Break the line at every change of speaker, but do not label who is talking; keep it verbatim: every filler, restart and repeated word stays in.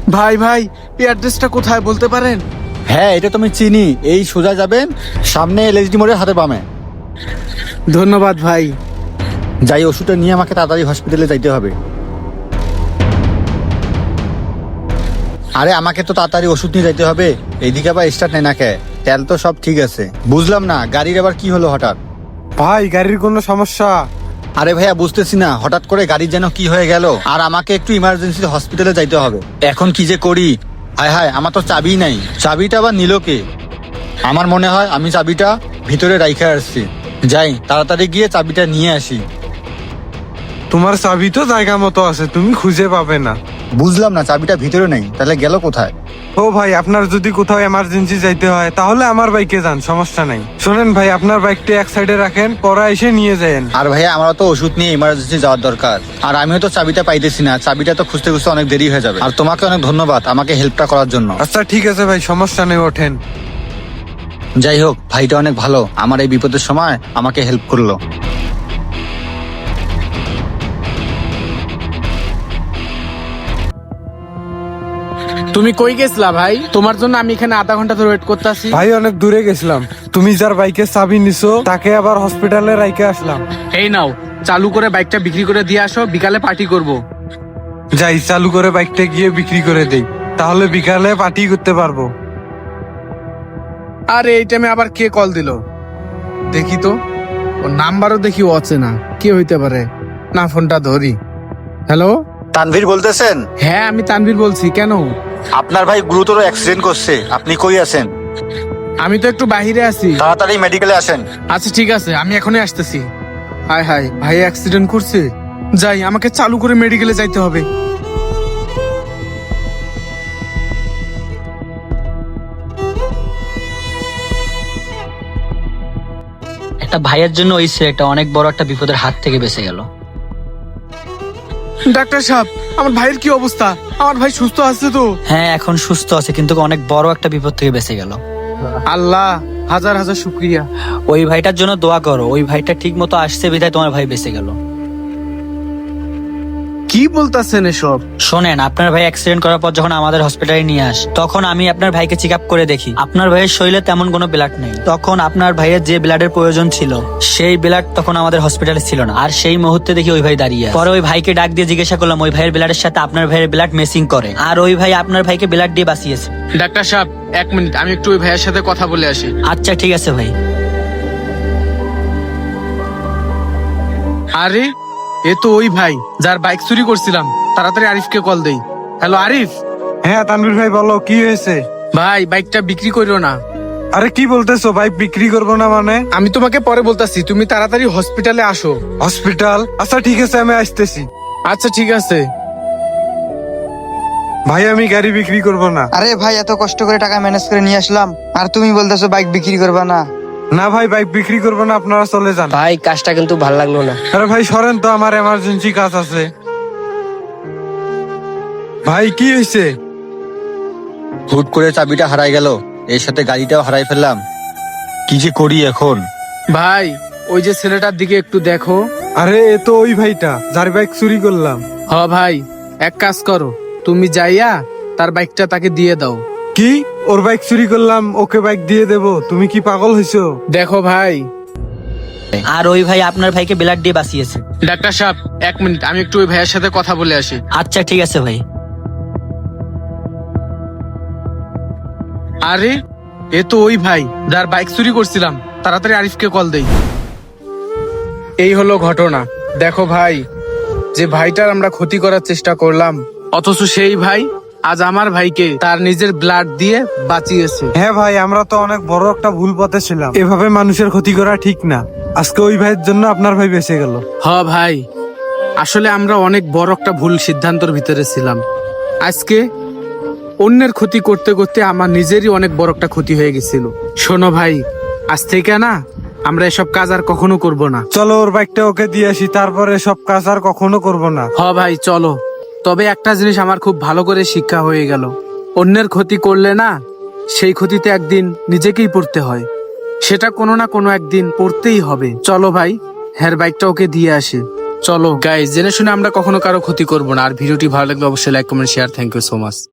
ভাই ভাই এই অ্যাড্রেসটা কোথায় বলতে পারেন?
হ্যাঁ, এটা তুমি চিনি। এই সোজা যাবেন, সামনে এলএসডি মোড়ের হাতে বামে।
ধন্যবাদ ভাই।
যাই, ওষুধটা নিয়ে আমাকে তাড়াতাড়ি হসপিটালে যাইতে হবে। আরে আমাকে তো তাড়াতাড়ি ওষুধ নিয়ে যাইতে হবে। এইদিকে আবার স্টার্ট নেই না কে? তেল তো সব ঠিক আছে। বুঝলাম না গাড়ির আবার কি হলো হঠাৎ।
ভাই গাড়ির কোনো সমস্যা?
আরে ভাইয়া বুঝতেছি না, হঠাৎ করে গাড়ির যেন কি হয়ে গেল, আর আমাকে একটু ইমার্জেন্সি হসপিটালে যাইতে হবে। এখন কি যে করি। হায় হায়, আমার তো চাবি নাই। চাবিটা আবার নিল কে? আমার মনে হয় আমি চাবিটা ভিতরে রাইখে আসছি। যাই, তাড়াতাড়ি গিয়ে চাবিটা নিয়ে আসি।
তোমার চাবি তো জায়গা মতো আছে, তুমি খুঁজে পাবে না।
বুঝলাম না, চাবিটা ভিতরে নেই, তাহলে গেল কোথায়?
ও ভাই, আপনার যদি কোথাও এমার্জেন্সি যাইতে হয় তাহলে আমার বাইকে যান, সমস্যা নাই। শোনেন ভাই, আপনার বাইকটা এক সাইডে রাখেন, পরে এসে নিয়ে যান।
আর ভাইয়া আমারও তো ওষুধ নিয়ে ইমার্জেন্সি যাওয়ার দরকার, আর আমিও তো চাবিটা পাইতেছি না। চাবিটা তো খুঁজতে খুঁজতে অনেক দেরি হয়ে যাবে। আর তোমাকে অনেক ধন্যবাদ আমাকে হেল্পটা করার জন্য।
আচ্ছা ঠিক আছে ভাই, সমস্যা নেই, ওঠেন।
যাই হোক, ভাইটা অনেক ভালো, আমার এই বিপদের সময় আমাকে হেল্প করলো।
তুমি কই গেছিলা ভাই? তোমার জন্য আমি এখানে আধা ঘন্টা ধরে ওয়েট করতেছি।
ভাই অনেক দূরে গেছিলাম, তুমি যার বাইকের চাবি নিছো তাকে আবার হসপিটালে রাইখে আসলাম।
এই নাও, চালু করে বাইকটা বিক্রি করে দিয়ে আসো, বিকালে পার্টি করব।
যাই, চালু করে বাইকটা গিয়ে বিক্রি করে দেই, তাহলে বিকালে পার্টি করতে পারবো।
আরে এই টাইমে আবার কে কল দিল? দেখি তো, ওর নাম্বারও দেখি অচেনা। কে হইতে পারে? না, ফোনটা ধরি। হ্যালো।
তানভীর বলতেছেন?
হ্যাঁ, আমি তানভীর বলছি। কেন?
আপনার ভাই গুরুতর অ্যাক্সিডেন্ট করছে, আপনি কই আছেন?
আমি তো একটু বাহিরে আছি।
তাড়াতাড়ি মেডিকেলে আসেন।
আচ্ছা ঠিক আছে, আমি এখনই আসতেছি। হায় হায়, ভাই অ্যাক্সিডেন্ট করছে। যাই, আমাকে চালু করে মেডিকেলে যাইতে হবে।
একটা ভাইয়ের জন্য ওই ছেলেটা অনেক বড় একটা বিপদের হাত থেকে বেঁচে গেল।
ডাক্তার সাহেব, আমার ভাইয়ের কি অবস্থা? আমার ভাই সুস্থ আছে তো?
হ্যাঁ, এখন সুস্থ আছে, কিন্তু অনেক বড় একটা বিপদ থেকে বেঁচে গেল।
আল্লাহ, হাজার হাজার শুক্রিয়া।
ওই ভাইটার জন্য দোয়া করো, ওই ভাইটা ঠিক মতো আসছে বিধায় তোমার ভাই বেঁচে গেল।
কি বলতাছেন এসব?
শোনেন, আপনার ভাই অ্যাক্সিডেন্ট করার পর যখন আমাদের হসপিটালে নিয়ে আস, তখন আমি আপনার ভাইকে চেক আপ করে দেখি আপনার ভাইয়ের শরীরে তেমন কোনো ব্লাড নেই। তখন আপনার ভাইয়ের যে ব্লাডের প্রয়োজন ছিল সেই ব্লাড তখন আমাদের হসপিটালে ছিল না। আর সেই মুহূর্তে দেখি ওই ভাই দাঁড়িয়ে আছে। পরে ওই ভাইকে ডাক দিয়ে জিজ্ঞাসা করলাম ওই ভাইয়ের ব্লাডের সাথে আপনার ভাইয়ের ব্লাড মেসিং করে, আর ওই ভাই আপনার ভাইকে ব্লাড দিয়ে বাঁচিয়েছে।
ডাক্তার সাহেব, এক মিনিট, আমি একটু ওই ভাইয়ের সাথে কথা বলে আসি।
আচ্ছা ঠিক আছে ভাই।
আরে এ তো ওই ভাই যার বাইক চুরি করছিলাম। তাড়াতাড়ি আরিফকে কল দেই। হ্যালো আরিফ।
হ্যাঁ তানভীর ভাই, বলো কি হয়েছে?
ভাই, বাইকটা বিক্রি করিও না।
আরে কি বলতেছো, বাইক বিক্রি করবো না মানে?
আমি তোমাকে পরে বলতাছি, তুমি তাড়াতাড়ি হসপিটালে আসো।
হসপিটাল? আচ্ছা ঠিক আছে, আমি আসতেছি।
আচ্ছা ঠিক আছে।
ভাই আমি গাড়ি বিক্রি করবো না।
আরে ভাই, এত কষ্ট করে টাকা ম্যানেজ করে নিয়ে আসলাম, আর তুমি বলতেছো বাইক বিক্রি করবা না?
না ভাই, বাইক বিক্রি করবো না, আপনারা চলে যান।
ভাই কাজটা কিন্তু ভাল লাগলো না।
আরে ভাই সরেন তো, আমার এমার্জেন্সি কাজ আছে। ভাই কি হয়েছে?
হুট করে চাবিটা হারাই গেল, এর সাথে গাড়িটাও হারাই ফেললাম। কি যে করি এখন।
ভাই, ওই যে ছেলেটার দিকে একটু দেখো।
আরে এ তো ওই ভাইটা যার বাইক চুরি করলাম।
হ ভাই, এক কাজ করো, তুমি যাইয়া তার বাইকটা তাকে দিয়ে দাও।
কি? ওর বাইক চুরি করলাম, ওকে বাইক দিয়ে দেবো? তুমি কি পাগল হয়েছো?
দেখো ভাই।
আর ওই ভাই আপনার ভাইকে ব্লাড দিয়ে বাঁচিয়েছে।
ডাক্তার সাহেব, এক মিনিট, আমি একটু ওই ভাইয়ের সাথে কথা বলে আসি।
আচ্ছা ঠিক আছে ভাই।
আরে এ তো ওই ভাই যার বাইক চুরি করছিলাম। তাড়াতাড়ি আরিফকে কল দেই। এই হলো ঘটনা। দেখো ভাই, যে ভাইটার আমরা ক্ষতি করার চেষ্টা করলাম, অথচ সেই ভাই আজ আমার ভাইকে তার নিজের ব্লাড দিয়ে বাঁচিয়েছে।
হ্যাঁ ভাই, আমরা তো অনেক বড় একটা ভুল পথে ছিলাম, এভাবে মানুষের ক্ষতি করা ঠিক না। আজকে ওই ভাইয়ের জন্য আপনার ভাই বেঁচে গেল।
হ ভাই, আসলে আমরা অনেক বড় একটা ভুল সিদ্ধান্তর ভিতরে ছিলাম। আজকে অন্যের ক্ষতি করতে করতে আমার নিজেরই অনেক বড় একটা ক্ষতি হয়ে গেছিল। শোনো ভাই, আজ থেকে না আমরা এসব কাজ আর কখনো করব না।
চলো ওর বাইকটা ওকে দিয়ে আসি, তারপরে সব কাজ আর কখনো করব না।
হ ভাই চলো। তবে একটা জিনিস আমার খুব ভালো করে শিক্ষা হয়ে গেল, অন্যের ক্ষতি করলে না সেই ক্ষতিতে একদিন নিজেকেই পড়তে হয়। সেটা কোনো না কোনো একদিন পড়তেই হবে। চলো ভাই, হ্যার বাইকটা ওকে দিয়ে আসি। চলো গাইস, জেনে শুনে আমরা কখনো কারো ক্ষতি করব না। আর ভিডিওটি ভালো লাগলে অবশ্যই like comment share. Thank you so much.